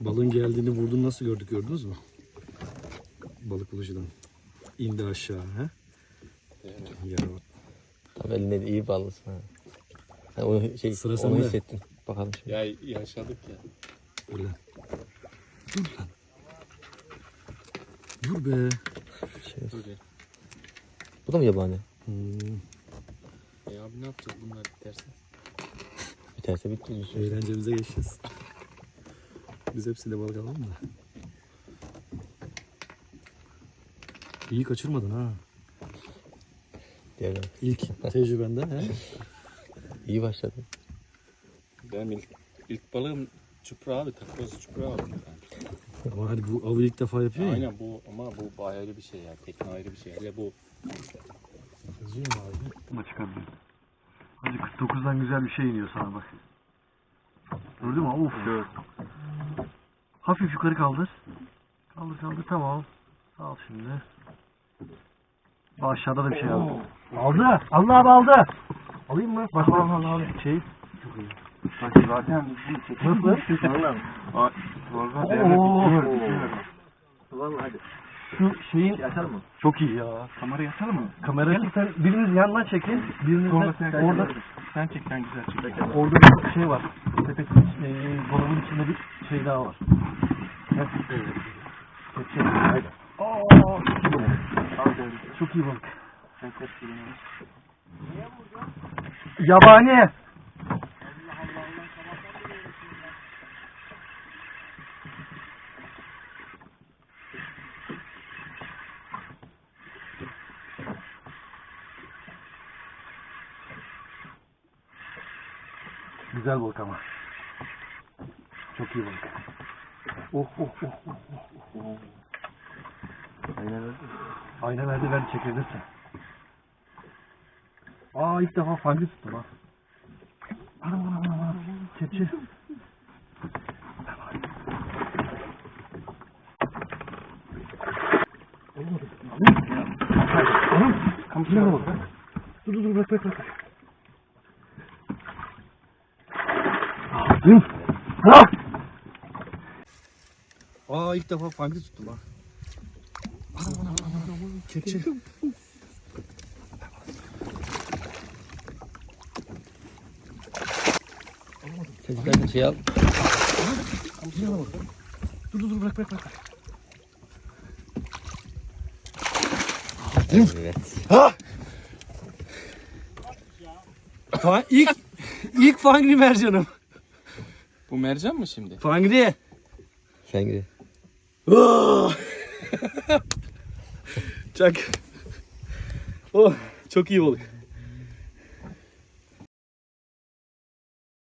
Balığın geldiğini vurduğunu nasıl gördük, gördünüz mü? Balık bulucudan. İndi aşağı. He? Ya. Tabii elinde de iyi bağlısın ha. Yani onu Sıra onu sende. hissettim. Bakalım şimdi. Ya yaşadık ya. Dur lan. Dur lan. Dur be. Böyle. Bu da mı yabani? Abi ne yapacağız bunlar biterse? Biterse bitti. Eğlencemize geçeceğiz. Biz hepsiyle balık alalım da. İyi kaçırmadın ha. Diğerler. İlk tecrübenden he. İyi başladı. Benim ilk balığım çupra abi. Takoz çupra abi. Ama hani bu avı ilk defa yapıyor ya. Aynen bu ama bu ayrı bir şey ya. Tekne ayrı bir şey. Hele bu Yazıyor mu abi? Buna çıkabilir. Hadi 49'dan güzel bir şey iniyor sana bak. Gördün mü? Uf. Gör. Hafif yukarı kaldır. Kaldır kaldır, tamam. Al şimdi. Aşağıda da bir şey aldı. Aldı. Allah abi aldı. Alayım mı? Bak al. Şey. Çok iyi. Bak zaten Nasıl? Vallahi hadi. Şu şeyin Yatar mı? çok iyi ya. Kamera yatar mı? Kamerayı sen biriniz yandan çekin. Biriniz Sonra de sen orada sen çek, sen güzel çek. orada bir şey var. Sepetin dolabın içinde bir şey daha var. Heh. Çek. Haydi. Çok iyi balık. Yabani. Güzel balık ama. Çok iyi balık. Oh. Aynen verdi ver çekebilirsin. Aa ilk defa fangı tuttum ha. Anam. Kepçe. Olmadı. Anam. Kamışına bak. Dur bırak. Aa ilk defa fangı tuttum ha. Anam. Kepçe. Sen istersen şey al. Dur bırak. Evet. İlk fangri mercanım. bu mercan mı şimdi? Fangri. Sen gir. Çak. Oh çok iyi balık.